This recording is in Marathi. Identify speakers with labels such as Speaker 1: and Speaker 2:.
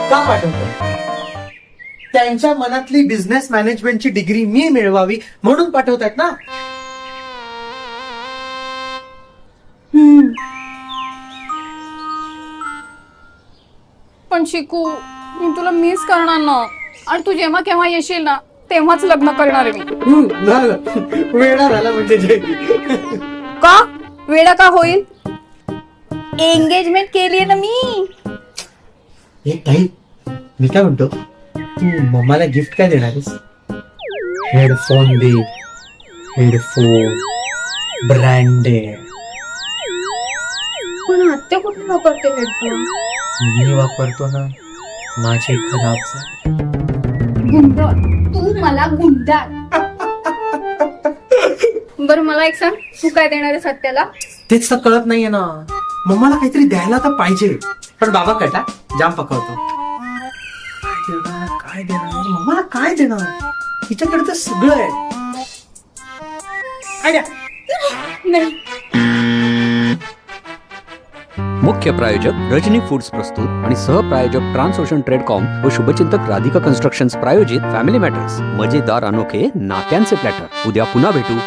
Speaker 1: का पाठवतो? त्यांच्या मनातली बिझनेस मॅनेजमेंटची डिग्री मी मिळवावी म्हणून पाठवतात ना.
Speaker 2: पण शिकू, मी तुला मिस करणार ना, आणि तू जेव्हा केव्हा येशील ना तेव्हाच लग्न करणार आहे मी.
Speaker 1: झालं, वेळा झाला म्हणजे जयंती.
Speaker 2: का वेडा का होईल? एंगेजमेंट केली ना मी.
Speaker 1: एक ताई, मी काय म्हणतो, तू मम्माला गिफ्ट काय देणार आहेस? हेडफोन दे, हेडफोन ब्रँडेड.
Speaker 2: पण आत्या कुठे वापरते हेडफोन?
Speaker 1: मी वापरतो ना, माझे खराब झाले.
Speaker 2: गुंडाळ, तू मला गुंडाळ. बरं मला एक सांग, तू काय देणार आहे सत्याला?
Speaker 1: तेच तर कळत नाहीये ना. मम्माला काहीतरी द्यायला तर पाहिजे, पण बाबा कटा जाम पकवतो. काय देणार मम्माला, काय देणार? हिच्याकडे तर सगळं आहे. आयडिया.
Speaker 2: नाही.
Speaker 3: मुख्य प्रायोजक रजनी फूड्स प्रस्तुत आणि सहप्रायोजक ट्रान्सओशन ट्रेडकॉम व शुभचिंतक राधिका कन्स्ट्रक्शन्स प्रायोजित फॅमिली मॅटर्स, मजेदार अनोखे नात्यांचे प्लॅटर. उद्या पुन्हा भेटू.